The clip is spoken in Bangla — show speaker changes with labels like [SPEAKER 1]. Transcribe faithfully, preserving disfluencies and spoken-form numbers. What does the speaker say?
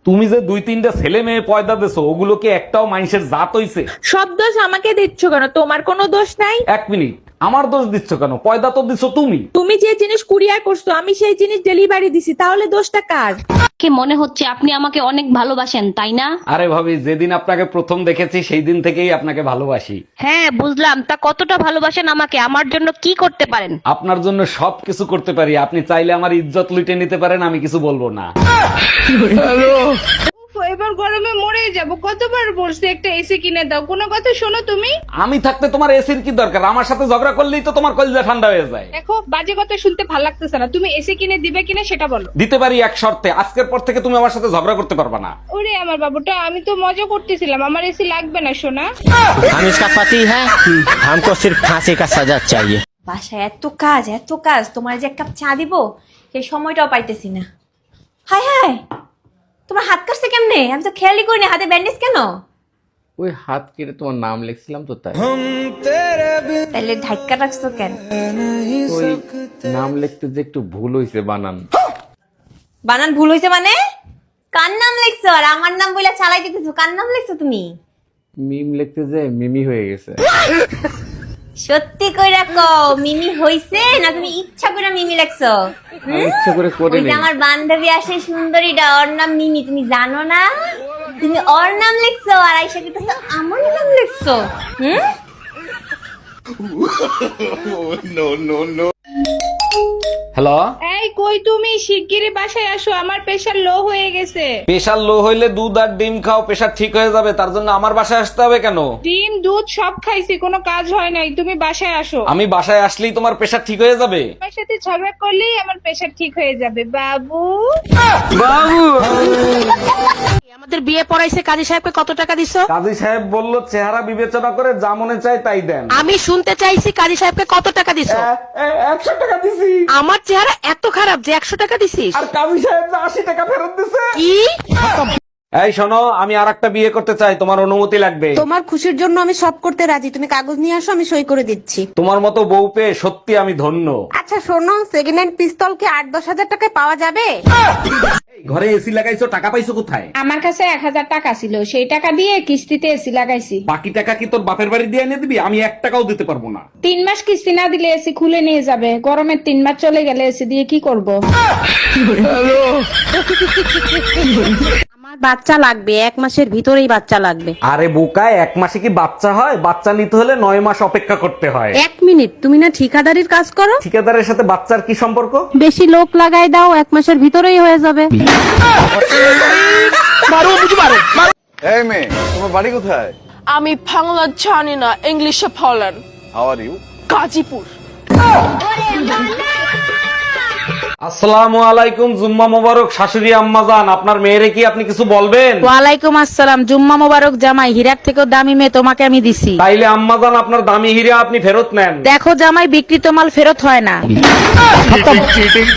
[SPEAKER 1] তুমি যে দুই তিনটা ছেলে মেয়ে পয়দা দেছো ওগুলো কি একটাও মানুষের জাত হইছে?
[SPEAKER 2] সব দোষ আমাকে দিচ্ছ কেন? তোমার কোনো দোষ নাই।
[SPEAKER 1] এক মিনিট, আমার দোষ দিচ্ছ কেন? পয়দা তো দিছো তুমি।
[SPEAKER 2] তুমি যে জিনিস কুরিয়ার করছো আমি সেই জিনিস ডেলিভারি দিছি, তাহলে দোষটা কার?
[SPEAKER 3] কি মনে হচ্ছে আপনি আমাকে অনেক ভালোবাসেন তাই না?
[SPEAKER 1] আরে ভাবি, যেদিন আপনাকে প্রথম দেখেছি সেই দিন থেকেই আপনাকে ভালোবাসি।
[SPEAKER 3] হ্যাঁ বুঝলাম, তা কতটা ভালোবাসেন আমাকে? আমার জন্য কি করতে পারেন?
[SPEAKER 1] আপনার জন্য সব কিছু করতে পারি। আপনি চাইলে আমার ইজ্জত লুটে নিতে পারেন, আমি কিছু বলবো না।
[SPEAKER 4] এবার গরমে মরে যাব, কতবার বলছি একটা এসি কিনে দাও, কোনো কথা শোনো তুমি?
[SPEAKER 1] আমি থাকতে তোমার এসির কি দরকার? আমার সাথে ঝগড়া করলেই তো তোমার কলিজা ঠান্ডা হয়ে যায়।
[SPEAKER 4] দেখো, বাজে কথা শুনতে ভালো লাগতেছে না, তুমি এসি কিনে দিবে কিনা সেটা বলো।
[SPEAKER 1] দিতে পারি এক শর্তে, আজকের পর থেকে তুমি আমার সাথে ঝগড়া করতে পারবে না।
[SPEAKER 4] ওরে আমার বাবুটা, আমি তো মজা করতেছিলাম, আমার এসি লাগবে না সোনা।
[SPEAKER 5] हम इसका पति है, हमको सिर्फ फांसी का सजा चाहिए।
[SPEAKER 6] বাসায় এত কাজ এত কাজ, তোমার যে এক কাপ চা দিব সেই সময়টাও পাইতেছি না। হায় হায়, তোমার হাত কাটছে কেমনে? আমি তো খেয়ালই করিনি, হাতে ব্যান্ডেজ কেন?
[SPEAKER 7] ওই হাত কেটে তোমার নাম লিখছিলাম তো তাই।
[SPEAKER 6] তাহলে ধাক্কা রাখছো কেন?
[SPEAKER 7] ওই নাম লিখতে যে একটু ভুল হয়েছে বানান।
[SPEAKER 6] বানান ভুল হয়েছে মানে? কার নাম লিখছো? আর আমার নাম বলে চালাই দিতেছো, কার নাম লিখছো তুমি?
[SPEAKER 7] মিম লিখতে যে মিমি হয়ে গেছে।
[SPEAKER 6] সত্যি কইরা কও, মিমি হইছে না তুমি ইচ্ছা করে মিমি লিখছো?
[SPEAKER 7] আমি ইচ্ছা করে করে
[SPEAKER 6] ওই যে
[SPEAKER 7] নেই।
[SPEAKER 6] আমার বান্ধবী আসে সুন্দরীটা, ওর নাম মিমি, তুমি জানো না? তুমি ওর নাম লিখছো আর আইসা কিতেছো আমার নাম লিখছো। হুম,
[SPEAKER 1] হ্যালো,
[SPEAKER 4] এই কই তুমি? শিগগিরই বাসায় আসো, আমার প্রেশার লো হয়ে গেছে।
[SPEAKER 1] প্রেশার লো হইলে দুধ আর ডিম খাও, প্রেশার ঠিক হয়ে যাবে। তার জন্য আমার বাসায় আসতে হবে কেন?
[SPEAKER 4] ডিম দুধ সব খাইছি, কোনো কাজ হয় নাই, তুমি বাসায় আসো।
[SPEAKER 1] আমি বাসায় আসলেই তোমার প্রেশার ঠিক হয়ে যাবে?
[SPEAKER 4] আমার সাথে ঝগড়া করলেই আমার প্রেশার ঠিক হয়ে যাবে বাবু।
[SPEAKER 3] আমাদের বিয়ে পড়াইছে কাজী সাহেবকে কত টাকা দিছো?
[SPEAKER 1] কাজী সাহেব বলল চেহারা বিবেচনা করে যা মনে চায় তাই দেন।
[SPEAKER 3] আমি শুনতে চাইছি কাজী সাহেবকে কত টাকা দিছো?
[SPEAKER 1] একশো টাকা দিছি।
[SPEAKER 3] আমার চেহারা এত খারাপ যে একশো টাকা দিছিস?
[SPEAKER 1] আর কাজী সাহেব যে আশি টাকা ফেরত দিছে।
[SPEAKER 3] কি?
[SPEAKER 1] এই শোনো, আমি আর একটা বিয়ে করতে চাই, তোমার অনুমতি লাগবে।
[SPEAKER 8] তোমার খুশির জন্য আমি সব করতে রাজি, তুমি কাগজ নিয়ে আসো, আমি সই করে দিচ্ছি।
[SPEAKER 1] তোমার মতো বউ পেয়ে সত্যি আমি ধন্য।
[SPEAKER 8] আচ্ছা শোনো, সেকেন্ড হ্যান্ড পিস্তল কি আট দশ হাজার টাকায় পাওয়া যাবে?
[SPEAKER 1] এই ঘরে এসি লাগাইছো, টাকা পাইছো কোথায়?
[SPEAKER 4] আমার কাছে এক হাজার টাকা ছিল, সেই টাকা দিয়ে কিস্তিতে এসি লাগাইছি।
[SPEAKER 1] বাকি টাকা কি তোর বাপের বাড়ি দিয়ে এনে দিবি? আমি এক টাকাও দিতে পারবো না।
[SPEAKER 4] তিন মাস কিস্তি না দিলে এসি খুলে নিয়ে যাবে, গরমের তিন মাস চলে গেলে এসি দিয়ে কি করব?
[SPEAKER 8] আমার বাচ্চা লাগবে, এক মাসের ভিতরেই বাচ্চা লাগবে।
[SPEAKER 1] আরে বোকায়, এক মাসে কি বাচ্চা হয়? বাচ্চা নিতে হলে নয় মাস অপেক্ষা করতে হয়।
[SPEAKER 8] এক মিনিট, তুমি না ঠিকাদারির কাজ করো?
[SPEAKER 1] ঠিকাদারের সাথে বাচ্চার কি সম্পর্ক?
[SPEAKER 8] বেশি লোক লাগাই দাও, এক মাসের ভিতরেই হয়ে যাবে।
[SPEAKER 9] এই মেয়ে, তোমার বাড়ি কোথায়?
[SPEAKER 10] আমি বাংলা জানি না, ইংলিশে বলেন।
[SPEAKER 9] How are you?
[SPEAKER 10] গাজীপুর।
[SPEAKER 1] আসসালামু আলাইকুম, জুম্মা মোবারক। শাশুড়ি আম্মা জান, আপনার মেয়েরে কি আপনি কিছু বলবেন?
[SPEAKER 8] ওয়ালাইকুম আসসালাম। জুম্মা মোবারক জামাই, হীরার থেকেও দামি মেয়ে তোমাকে আমি দিছি।
[SPEAKER 1] তাইলে আম্মা জান, আপনার দামি হীরা আপনি ফেরত নেন।
[SPEAKER 8] দেখো জামাই, বিক্রিত মাল ফেরত হয় না।